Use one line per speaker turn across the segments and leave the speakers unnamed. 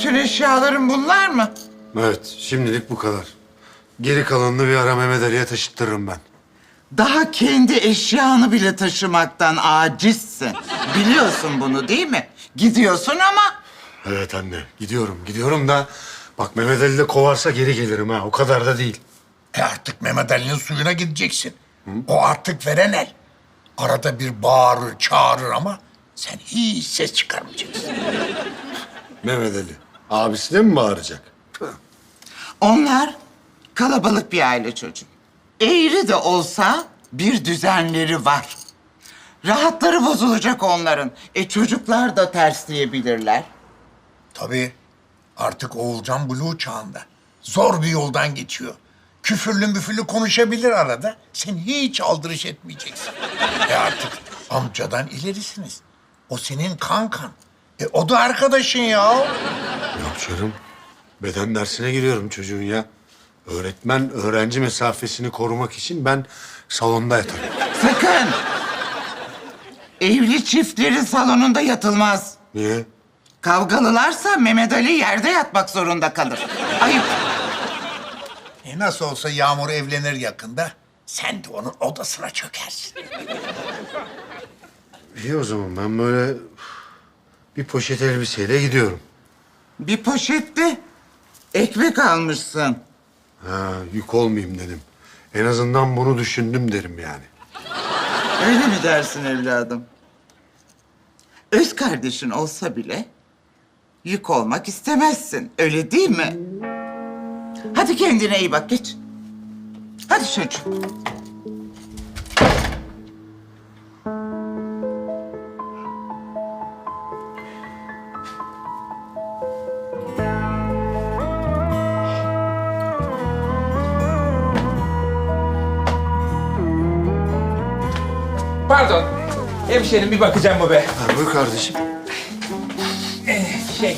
Bütün eşyaların bunlar mı?
Evet, şimdilik bu kadar. Geri kalanını bir ara Mehmet Ali'ye taşıttırırım ben.
Daha kendi eşyanı bile taşımaktan acizsin. Biliyorsun bunu değil mi? Gidiyorsun ama
Evet anne, gidiyorum da... Bak Mehmet Ali de kovarsa geri gelirim ha, o kadar da değil.
Artık Mehmet Ali'nin suyuna gideceksin. O artık veren el. Arada bir bağırır, çağırır ama sen hiç ses çıkarmayacaksın.
Mehmet Ali, abisine mi bağıracak?
onlar kalabalık bir aile çocuğu. Eğri de olsa bir düzenleri var. Rahatları bozulacak onların. Çocuklar da tersleyebilirler.
Tabii artık Oğulcan Blue çağında. Zor bir yoldan geçiyor. Küfürlü müfürlü konuşabilir arada. Sen hiç aldırış etmeyeceksin. Artık amcadan ilerisiniz. O senin kankan. O da arkadaşın ya.
Yok canım, beden dersine giriyorum çocuğun ya. Öğretmen öğrenci mesafesini korumak için ben salonda yatarım.
Sakın! Evli çiftlerin salonunda yatılmaz.
Niye?
Kavgalılarsa Mehmet Ali yerde yatmak zorunda kalır. Ayıp.
Nasıl olsa Yağmur evlenir yakında. Sen de onun odasına çökersin.
İyi o zaman ben böyle bir poşet elbiseyle gidiyorum.
Bir poşette ekmek almışsın.
Ha, yük olmayayım dedim. En azından bunu düşündüm derim yani.
Öyle mi dersin evladım? Öz kardeşin olsa bile yük olmak istemezsin. Öyle değil mi? Hadi kendine iyi bak, geç. Hadi çocuğum.
Pardon. Hemşerim bir bakacağım mı be?
Ha, buyur kardeşim.
Şey...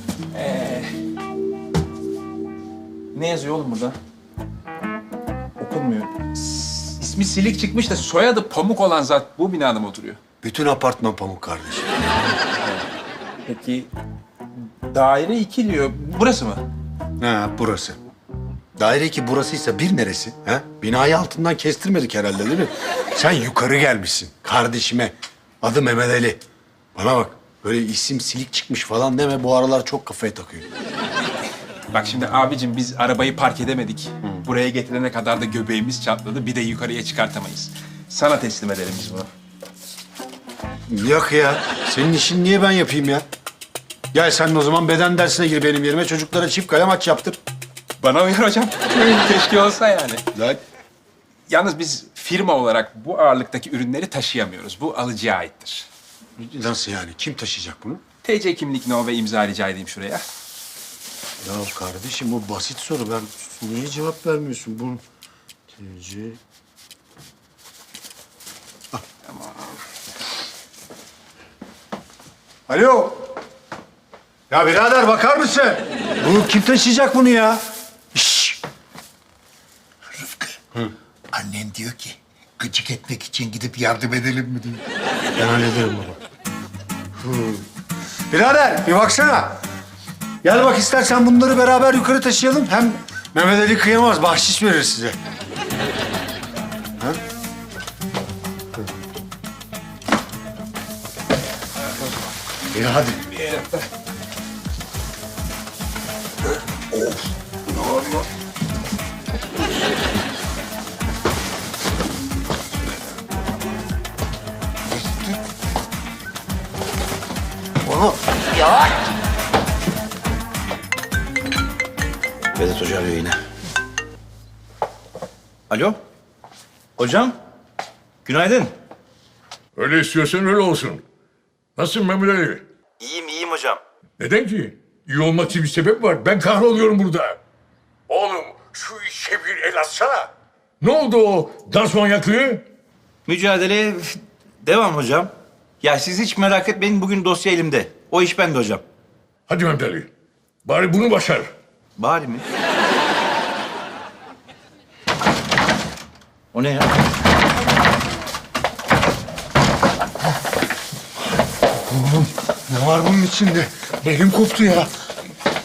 Ne yazıyor oğlum burada? Okunmuyor. İsmi Silik çıkmış da soyadı Pamuk olan zat bu binada mı oturuyor?
Bütün apartman pamuk kardeşim.
Peki daire 2 diyor. Burası mı?
Ha, burası. Daire 2 burasıysa bir neresi? Ha? Binayı altından kestirmedik herhalde değil mi? Sen yukarı gelmişsin kardeşime. Adı Mehmet Ali. Bana bak, böyle isim Silik çıkmış falan deme, bu aralar çok kafaya takıyor.
Bak şimdi abicim biz arabayı park edemedik. Buraya getirene kadar da göbeğimiz çatladı. Bir de yukarıya çıkartamayız. Sana teslim edelim biz bunu.
Yok ya, senin işin niye ben yapayım ya? Gel sen de o zaman beden dersine gir benim yerime, çocuklara çift kale maç yaptır.
Bana uyar hocam. Keşke olsa yani.
Lan.
Yalnız biz firma olarak bu ağırlıktaki ürünleri taşıyamıyoruz. Bu alıcıya aittir.
Nasıl yani? Kim taşıyacak bunu?
TC kimlik no ve imza rica edeyim şuraya.
Ya kardeşim o basit soru. Ben niye cevap vermiyorsun? Bunu TC... Ah. Tamam. Alo. Ya birader bakar mısın? Bu kim taşıyacak bunu ya? Şşş.
Rıfkı, annen diyor ki gıcık etmek için gidip yardım edelim mi diyor.
Ben hallederim baba. Birader bir baksana. Gel bak istersen bunları beraber yukarı taşıyalım. Hem Mehmet Ali kıyamaz, bahşiş verir size. Ha? İyi hadi. Oğlum.
Vedat Hoca arıyor yine. Alo? Hocam? Günaydın.
Öyle istiyorsan öyle olsun. Nasılsın Mehmet Ali?
İyiyim hocam.
Neden ki? İyi olmak için bir sebep var. Ben kahroluyorum burada. Oğlum şu işe bir el atsana. Ne oldu o dans manyaklığı?
Mücadeleye devam hocam. Ya siz hiç merak etmeyin, bugün dosya elimde. O iş bende hocam.
Hadi Mehmet Ali. Bari bunu başar.
Bari mi? O ne ya?
Ne var bunun içinde? Belim koptu ya.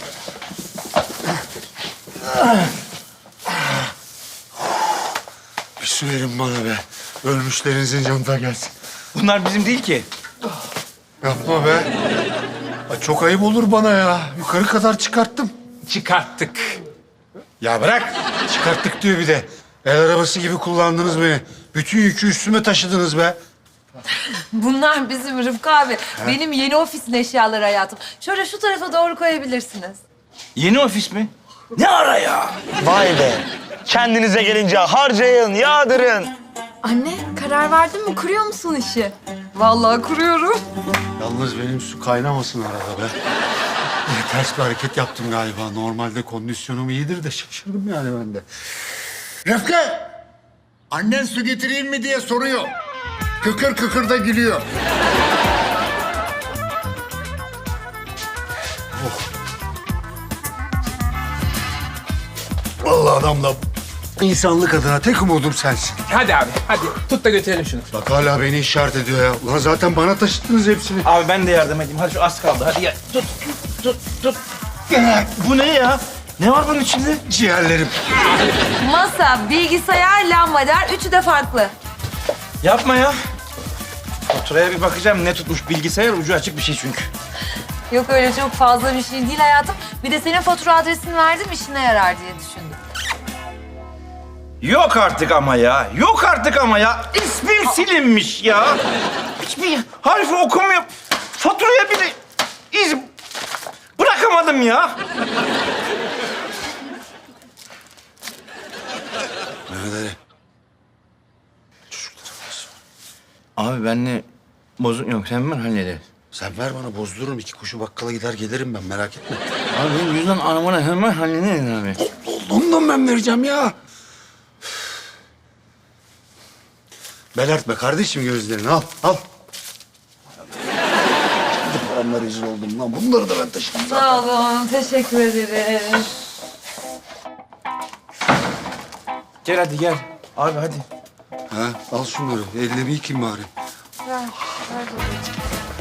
su verin bana be. Ölmüşlerinizin canına gelsin.
Bunlar bizim değil ki.
Yapma be. Ay, çok ayıp olur bana ya. Yukarı kadar çıkarttım.
Çıkarttık.
Ya bırak. Çıkarttık diyor bir de. El arabası gibi kullandınız beni. Bütün yükü üstüme taşıdınız be.
Bunlar bizim Rıfkı abi. Benim yeni ofisin eşyaları hayatım. Şöyle şu tarafa doğru koyabilirsiniz.
Yeni ofis mi? Ne ara ya?
Vay be. Kendinize gelince harcayın, yağdırın.
Anne karar verdin mi? Kuruyor musun işi? Vallahi kuruyorum.
Yalnız benim su kaynamasın arada be. Ters bir hareket yaptım galiba. Normalde kondisyonum iyidir de şaşırdım yani ben de.
Rıfkı, annen su getireyim mi diye soruyor. Kıkır kıkır da gülüyor.
Vallahi adamla insanlık adına tek umudum sensin.
Hadi abi, hadi. Tut da götürelim şunu.
Bak hala beni işaret ediyor ya. Ulan zaten bana taşıttınız hepsini.
Abi ben de yardım edeyim. Hadi şu az kaldı. Hadi gel. Tut. Bu ne ya? Ne var bunun içinde?
Ciğerlerim.
Masa, bilgisayar, lambader. Üçü de farklı.
Yapma ya. Faturaya bir bakacağım. Ne tutmuş bilgisayar? Ucu açık bir şey çünkü.
Yok öyle çok fazla bir şey değil hayatım. Bir de senin fatura adresini verdim işine yarar diye düşündüm.
Yok artık ama ya. Yok artık ama ya. İsmim silinmiş ya. Hiçbir harfi okumuyor. Faturaya bile iz bırakamadım ya.
Mehmet Ali.
Abi benle bozuk yok. Sen ben hallederiz.
Sen ver bana bozdururum. 2 kuşu bakkala gider gelirim ben merak etme.
Abi benim yüzden aramana hemen hallederiz abi.
Ondan ben vereceğim ya. Belertme kardeşim gözlerini al al. Paramla rezil oldum lan. Bunları da ben taşıdım.
Sağ olun, teşekkür ederim.
Gel hadi gel. Abi hadi.
Ha, al şunları. Elini bir yıkayayım bari.
Ver babacığım.